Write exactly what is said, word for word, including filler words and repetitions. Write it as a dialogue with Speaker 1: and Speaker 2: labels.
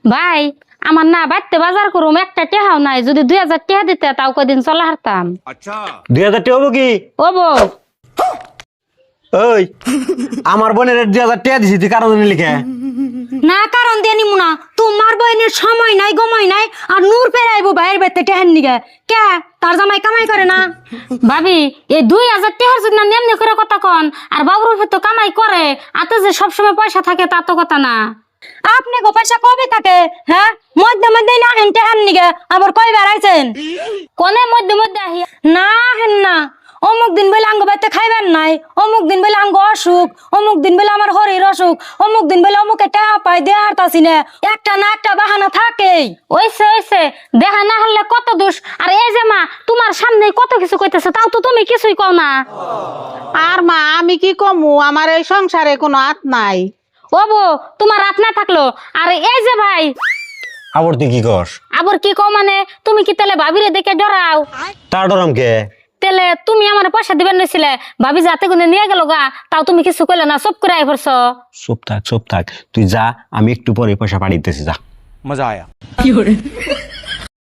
Speaker 1: ভাই আমার না বাড়তে বাজার করুম একটা টেহাও নাই, যদি দুই হাজার টেহা দিতে তাও কদিন চলে হারতাম।
Speaker 2: দুই হাজার টাকা হবো কি?
Speaker 1: ও বউ
Speaker 2: ওই আমার বোনের দুই হাজার টাকা দিছি, তুই কারণ লিখে
Speaker 3: না কারণ দিয়ে নিমু না, তোমার বইনের সময় নাই গময় নাই, আর নূর পেরাইবো ভাইয়ের বেতে টেহেন নিগে কে তার জামাই কামাই করে না।
Speaker 1: ভাবি এই দুই হাজার টেহার যদি না নেমনি করে কথা কন, আর বাবুর তো কামাই করে, আতে যে সবসময় পয়সা থাকে তা তো কথা না।
Speaker 3: আপনি গো পয়সা কবে থাকে? হ্যাঁ মধ্যে মধ্যে না হেন টেহেন নিগে আবার কই বেড়াইছেন?
Speaker 1: কোনে মধ্যে মধ্যে আহি
Speaker 3: না হেন না, অমুক দিন বলে আঙ্গ বাইতে খাইবেন নাই, অমুক দিন বলে আঙ্গ অসুখ, অমুক দিন বলে আমার শরীর অসুখ, অমুক দিন বলে অমুকে টাকা পাই দিয়ে হারতাছি না, একটা না একটা বাহানা থাকেই।
Speaker 1: ওইসে ওইসে দেখা না হলে কত দোষ। আর এই যে মা তোমার সামনে কত কিছু কইতেছে, তাও তো তুমি কিছুই কও না।
Speaker 4: আর মা আমি কি কমু, আমার এই সংসারে কোনো হাত নাই।
Speaker 1: ও বউ তোমার রাত না থাকলো। আর এই যে ভাই
Speaker 2: আবার তুই কি কর?
Speaker 1: আবার কি কও মানে, তুমি কি তাহলে ভাবিরে দেখে ডরাও?
Speaker 2: তার ডরাম কে?
Speaker 1: তাহলে তুমি আমার পয়সা দিবেন নিছিলে, ভাবি যাতে গুনে নিয়ে গেল গা, তাও তুমি কিছু কইলে না, সব করে আই পড়ছ।
Speaker 2: চুপ থাক চুপ থাক, তুই যা, আমি একটু পরে পয়সা পাঠিয়ে দিতেছি, যা।
Speaker 5: मजा आया।